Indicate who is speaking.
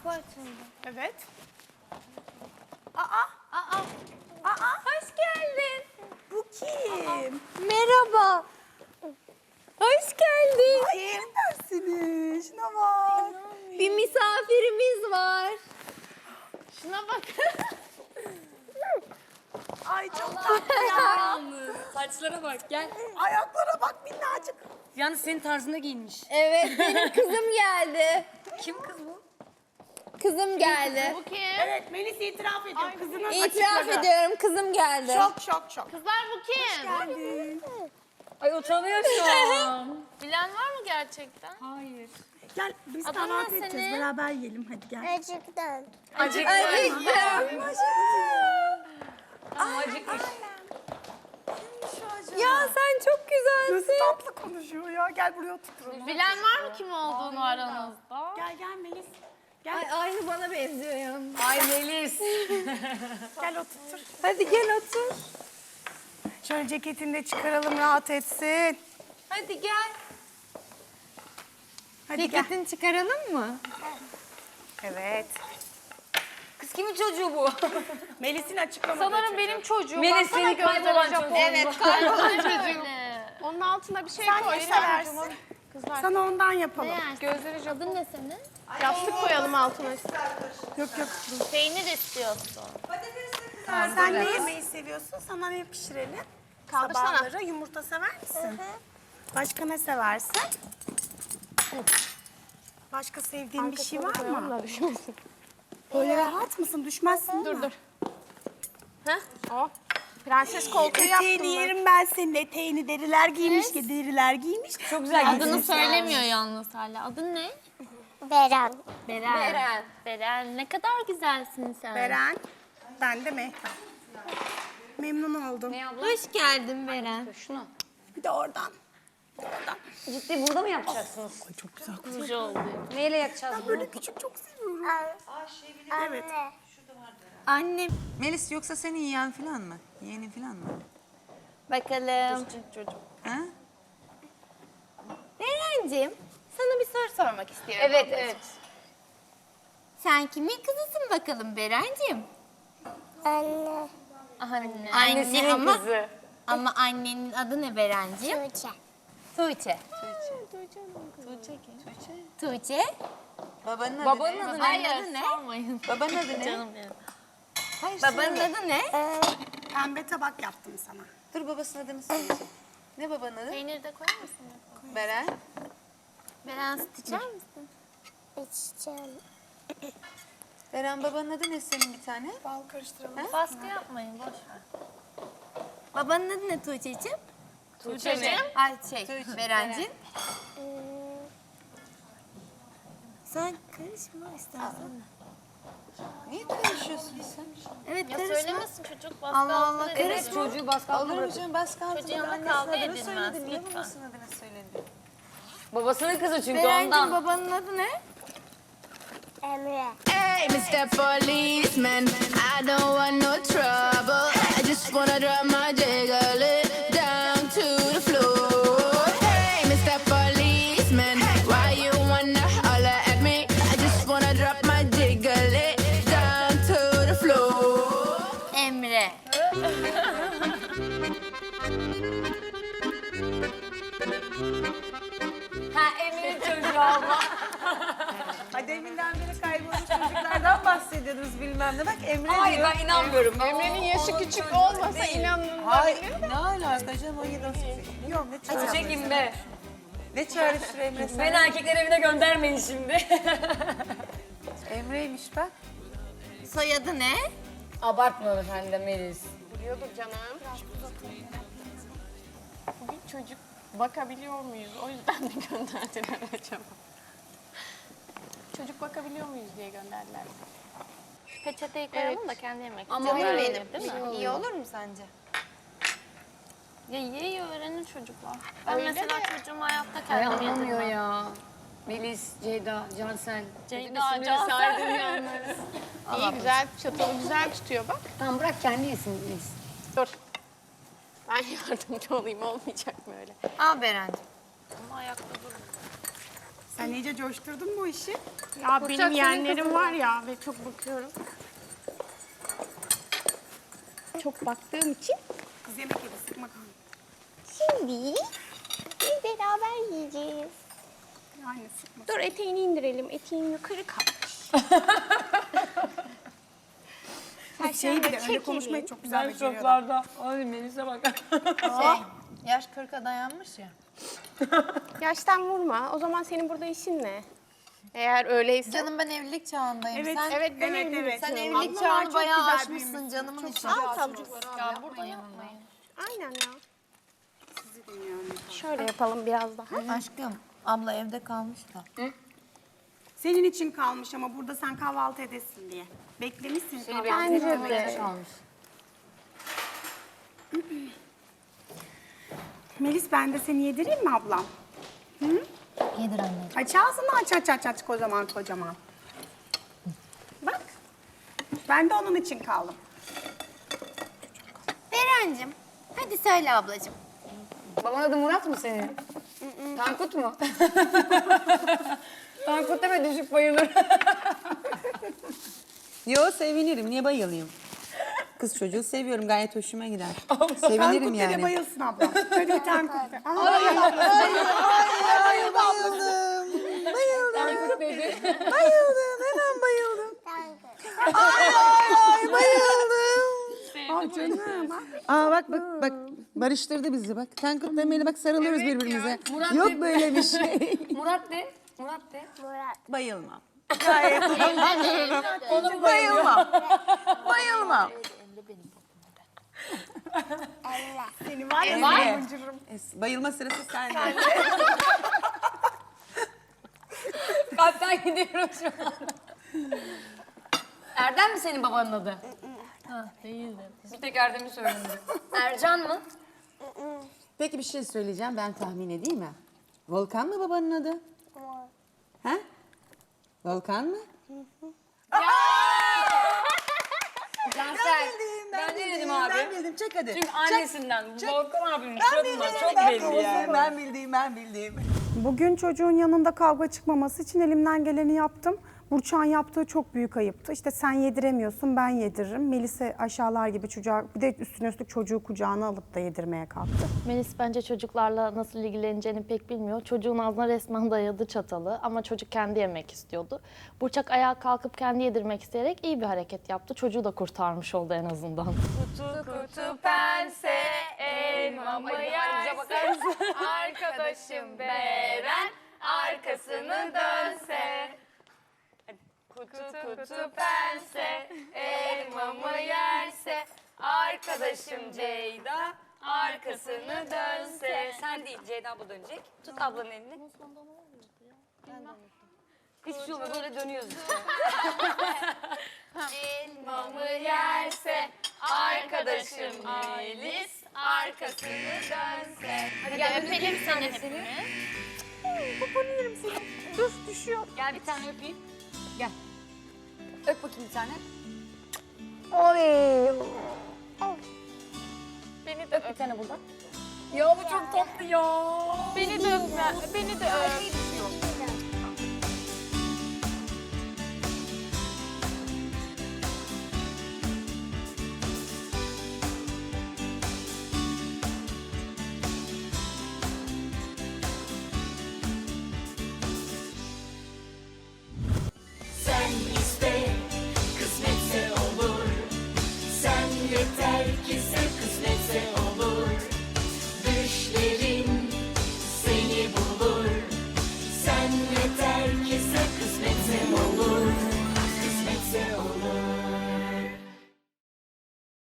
Speaker 1: Kapı açıldı.
Speaker 2: Evet.
Speaker 1: Hoş geldin.
Speaker 2: Bu kim?
Speaker 1: Merhaba. Hoş geldin.
Speaker 2: Ay yerim ben seni. Şuna bak.
Speaker 1: Bir misafirimiz var. Şuna bak.
Speaker 2: Ay çok tatlı ya.
Speaker 3: Saçlara bak gel.
Speaker 2: Ayaklara bak minnacık.
Speaker 3: Yalnız senin tarzında giyinmiş.
Speaker 1: Evet, benim kızım geldi.
Speaker 3: Kim kız bu?
Speaker 1: Kızım geldi.
Speaker 4: Bu kim?
Speaker 2: Evet Melis itiraf ediyor. Kızının
Speaker 1: İtiraf
Speaker 2: açıkladı.
Speaker 1: ediyorum, kızım geldi.
Speaker 2: Şok.
Speaker 4: Kızlar bu kim?
Speaker 2: Geldin.
Speaker 3: Ay utanıyor şu an.
Speaker 4: Bilen var mı gerçekten?
Speaker 3: Hayır.
Speaker 2: Gel biz
Speaker 4: Adın
Speaker 2: kahvaltı
Speaker 4: ne
Speaker 2: edeceğiz.
Speaker 4: senin?
Speaker 2: Beraber yiyelim hadi gel.
Speaker 1: Acıktım.
Speaker 3: Ama acıkmış.
Speaker 1: Ya sen çok
Speaker 2: Nasıl
Speaker 1: güzelsin.
Speaker 2: tatlı konuşuyor ya. Gel buraya oturalım.
Speaker 4: Bilen var mı kim olduğunu aranızda?
Speaker 2: Gel Melis. Gel.
Speaker 1: Ay, aynı bana benziyor ya.
Speaker 3: Ay Melis.
Speaker 2: Gel otur.
Speaker 1: Hadi gel otur.
Speaker 2: Şöyle ceketini de çıkaralım rahat etsin.
Speaker 1: Hadi gel.
Speaker 2: Hadi gel.
Speaker 1: Ceketini çıkaralım mı?
Speaker 2: Evet.
Speaker 3: Kız kimin çocuğu bu?
Speaker 2: Melis'in açıklamadığı
Speaker 4: Sanırım
Speaker 2: çocuğu.
Speaker 4: benim çocuğum.
Speaker 3: Melis
Speaker 4: Baksana
Speaker 3: senin
Speaker 4: gözleri
Speaker 3: kaybolan
Speaker 4: Japon.
Speaker 3: çocuğun.
Speaker 1: Evet, kaybolan
Speaker 4: çocuğum. Onun altına bir şey
Speaker 2: Sen
Speaker 4: koy.
Speaker 2: ne seversin?
Speaker 4: Kızlar.
Speaker 2: Sana ondan yapalım.
Speaker 4: Gözleri Japon.
Speaker 1: Adın ne senin?
Speaker 4: Yastık koyalım altına.
Speaker 2: Yok.
Speaker 4: Peynir istiyorsun.
Speaker 2: Sen ne yemeyi seviyorsun? Sana ne pişirelim?
Speaker 4: Kaldırsana.
Speaker 2: Sabahları yumurta sever misin? Başka ne seversin? Başka sevdiğin bir şey var mı? Böyle rahat mısın? Düşmezsin değil mi?
Speaker 4: Dur. Heh. O. Prenses koltuğu yaptım
Speaker 2: Eteğini
Speaker 4: ben.
Speaker 2: yerim ben senin eteğini. Deriler giymiş ki deriler giymiş.
Speaker 3: Çok güzel
Speaker 4: Adını
Speaker 3: giyinmiş.
Speaker 4: söylemiyor yalnız hala. Adın ne?
Speaker 1: Beren.
Speaker 4: Beren. Beren. Ne kadar güzelsin sen.
Speaker 2: Beren, ben de Mehtap. Memnun oldum.
Speaker 3: Ne abla?
Speaker 1: Hoş geldin Beren.
Speaker 3: Şunu.
Speaker 2: Bir de oradan.
Speaker 3: Ciddi burada mı yapacaksınız?
Speaker 2: Ay çok güzel.
Speaker 4: Güzel oldu.
Speaker 3: Neyle yakacağız bunu?
Speaker 2: Böyle küçük çok seviyorum. Evet.
Speaker 1: Annem.
Speaker 5: Melis yoksa seni yiyen falan mı? Yeğenin falan mı?
Speaker 1: Bakalım.
Speaker 5: Ha?
Speaker 1: Berenciğim, sana bir soru sormak istiyorum.
Speaker 3: Evet.
Speaker 1: Sen kimin kızısın bakalım Berenciğim?
Speaker 4: Anne.
Speaker 1: Anne ama,
Speaker 3: kızı.
Speaker 1: ama annenin adı ne Berenciğim? Tuğçe. Tuğçe.
Speaker 5: Babanın adı
Speaker 3: Babanın
Speaker 5: ne?
Speaker 3: adı ne?
Speaker 1: Adı ne?
Speaker 5: Babanın adı ne?
Speaker 4: Canım benim.
Speaker 5: Hayır,
Speaker 1: Babanın
Speaker 5: söyle.
Speaker 1: adı ne?
Speaker 2: Pembe tabak yaptım sana.
Speaker 5: Dur babasının adını söyleyeceğim. Ne babanın adı?
Speaker 4: Peyniri de koyar mısın?
Speaker 5: Beren.
Speaker 1: Beren süt içer misin?
Speaker 5: Beren babanın adı ne senin bir tane?
Speaker 2: Bal karıştıralım.
Speaker 4: Baskı yapmayın. Boş ver.
Speaker 1: Babanın adı ne Tuğçe'ciğim?
Speaker 4: Tuğçe'cim.
Speaker 1: Ay Berenciğim. Sen karışma istersen.
Speaker 5: Niye karışıyorsun sen?
Speaker 1: Evet
Speaker 4: Ya
Speaker 1: karışma.
Speaker 4: söylemesin çocuk baskı
Speaker 1: Allah Allah,
Speaker 4: altında
Speaker 1: karışma.
Speaker 4: edilmez.
Speaker 3: Çocuğu baskı altına
Speaker 5: Olur mu
Speaker 3: bırakın.
Speaker 5: canım? Baskı altında
Speaker 4: Çocuğun yanında
Speaker 5: annesinin
Speaker 4: kavga
Speaker 5: adını
Speaker 4: edilmez,
Speaker 5: söyledi. Niye
Speaker 4: lütfen.
Speaker 5: babasının adını söyledi?
Speaker 3: Babasının kızı çünkü
Speaker 1: Berenciğim
Speaker 3: ondan.
Speaker 1: babanın adı ne?
Speaker 6: Hey, Mr. Policeman, I don't want no trouble. I just wanna drop my jiggle it down to the floor. Hey, Mr. Policeman, why you wanna holler at me? I just wanna drop my jiggle it down to the floor.
Speaker 1: Emre.
Speaker 3: Ha Emre'nin çocuğu abla.
Speaker 5: Hadi deminden beri kaybolmuş çocuklardan bahsediyoruz bilmem ne. Bak Emre
Speaker 3: Hayır
Speaker 5: diyor.
Speaker 3: ben inanmıyorum.
Speaker 4: Emre'nin yaşı küçük olmasa inanın.
Speaker 5: Hayır. Ne alaka canım 17 18. Yok ne çağrıştırıyor?
Speaker 3: Çekin be.
Speaker 5: Ne çağrıştırıyor Emre sen?
Speaker 3: Beni erkekler evine göndermeyin şimdi.
Speaker 5: Emre'ymiş bak.
Speaker 1: Soyadı ne?
Speaker 3: Abartma sen de Melis.
Speaker 4: Biliyordur canım. Bugün çocuk bakabiliyor muyuz? O yüzden mi gönderdiler acaba? Çocuk bakabiliyor muyuz diye gönderdiler. Peçeteyi koyalım da kendi yemek.
Speaker 3: Ama
Speaker 4: Canım
Speaker 3: öyle
Speaker 4: benim, değil mi?
Speaker 1: İyi olur mu sence?
Speaker 4: Ya yiye öğrenir çocuklar. Ben
Speaker 1: Öyle
Speaker 4: mesela
Speaker 1: de.
Speaker 4: çocuğumu hayatta
Speaker 3: Ay
Speaker 4: kendim
Speaker 3: anlamıyor
Speaker 4: yedirmem.
Speaker 3: ya. Melis, Ceyda, Cansel.
Speaker 4: Ceyda,
Speaker 3: Bütün isimleri
Speaker 4: Cansel.
Speaker 3: saydım yalnız.
Speaker 4: İyi güzel, çatalı güzel tutuyor bak.
Speaker 3: Tamam bırak kendi yesin Melis.
Speaker 4: Dur. Ben yardımcı olayım, olmayacak mı öyle?
Speaker 1: Al Berenciğim.
Speaker 4: Ama ayakta dur.
Speaker 2: Sen iyice coşturdun bu işi.
Speaker 4: Ya benim yeğenlerim var ya ve çok bakıyorum. Çok baktığım için.
Speaker 2: Kız yemek yedi, sıkma kanka.
Speaker 4: Şimdi biz beraber yiyeceğiz.
Speaker 2: Yani sıkma.
Speaker 4: Dur eteğini indirelim. Eteğin yukarı kalkmış.
Speaker 2: Şey bir de öyle konuşmayı çok güzel beceriyorlar.
Speaker 3: Ay Melis'e bak.
Speaker 1: Yaş 40'a dayanmış ya.
Speaker 4: Yaştan vurma. O zaman senin burada işin ne? Eğer öyleyse.
Speaker 1: Canım ben evlilik çağındayım.
Speaker 2: Evet,
Speaker 1: Sen,
Speaker 4: Evet ben
Speaker 2: Evet,
Speaker 4: evliyim.
Speaker 2: evet.
Speaker 1: sen
Speaker 2: Abla,
Speaker 1: evlilik
Speaker 2: çok
Speaker 1: çağını
Speaker 2: güzel
Speaker 1: bayağı aşmışsın
Speaker 2: büyümüşsün.
Speaker 1: canımın içi.
Speaker 4: Al tabii.
Speaker 1: Ya burada yapmayın.
Speaker 4: Aynen ya. Şöyle yapalım biraz daha.
Speaker 1: Aşkım abla evde kalmış da.
Speaker 2: Senin için kalmış ama burada sen kahvaltı edesin diye. Beklemişsin kahvaltı.
Speaker 4: Bence de.
Speaker 2: Melis ben de seni yedireyim mi ablam?
Speaker 1: Yedir anne.
Speaker 2: Aç ağzını aç kocaman kocaman. Bak. Ben de onun için kaldım.
Speaker 1: Berencim hadi söyle ablacığım.
Speaker 3: Babanın adı Murat mı senin? Tankut mu? Tankut deme düşüp bayılır.
Speaker 5: Yo sevinirim. Niye bayılayım? Kız çocuğu seviyorum. Gayet hoşuma gider. Sevinirim
Speaker 2: Tankut
Speaker 5: yani.
Speaker 2: dede bayılsın ablam. Hadi bir Tankut de.
Speaker 3: Tankut dedi.
Speaker 5: Bayıldım. Hemen bayıldım. Ay canım. Aa bak. Barıştırdı bizi bak. Tankut demeyle bak sarılıyoruz birbirimize.
Speaker 3: Murat
Speaker 5: Yok
Speaker 3: de-
Speaker 5: böyle bir şey.
Speaker 3: Murat de. Murat de.
Speaker 5: Bayılmam.
Speaker 3: Onu
Speaker 5: Bayılmam. Bayılmam.
Speaker 2: Seni var ya.
Speaker 5: Bayılma sırası sende.
Speaker 3: Kalpten gidiyoruz şu an. Erdem mi senin babanın adı? Değildi. Bir tek Erdem'i söyledim. Ercan mı?
Speaker 5: Peki bir şey söyleyeceğim. Ben tahmin edeyim mi? Volkan mı babanın adı? Ha? Volkan mı?
Speaker 3: Cansel. Ben ne dedim abi?
Speaker 5: Ben bildim. Çek hadi.
Speaker 3: Çünkü annesinden. Volkan abinin
Speaker 5: Ben
Speaker 3: suratından
Speaker 5: bildim.
Speaker 3: çok belli yani.
Speaker 5: Ben bildim.
Speaker 2: Bugün çocuğun yanında kavga çıkmaması için elimden geleni yaptım. Burçak'ın yaptığı çok büyük ayıptı. İşte sen yediremiyorsun, ben yediririm. Melis'e aşağılar gibi çocuğa, bir de üstüne üstlük çocuğu kucağına alıp da yedirmeye kalktı.
Speaker 7: Melis bence çocuklarla nasıl ilgileneceğini pek bilmiyor. Çocuğun ağzına resmen dayadı çatalı ama çocuk kendi yemek istiyordu. Burçak ayağa kalkıp kendi yedirmek isteyerek iyi bir hareket yaptı. Çocuğu da kurtarmış oldu en azından.
Speaker 4: Kutu pense elmamı yersin. Arkadaşım Beren arkasını dönse. Kutu pense elmamı yerse. Arkadaşım Ceyda arkasını dönse.
Speaker 3: Sen değil, Ceyda abla dönecek. Tut ablanın elini. Hiçbir şey olmuyor, böyle dönüyoruz işte.
Speaker 4: Elmamı yerse arkadaşım Melis arkasını dönse.
Speaker 3: Hadi gel öpelim seni hepimiz.
Speaker 4: Dur düşüyor.
Speaker 3: Gel bir tane öpeyim. Gel. Öp bakayım bir tane.
Speaker 4: Beni de
Speaker 3: Öp bir tane buradan. Ya bu çok tatlı ya.
Speaker 4: Beni de öpme. Beni de öp.
Speaker 8: Sen iste, kısmetse olur. Sen yeter ki sev, kısmetse olur.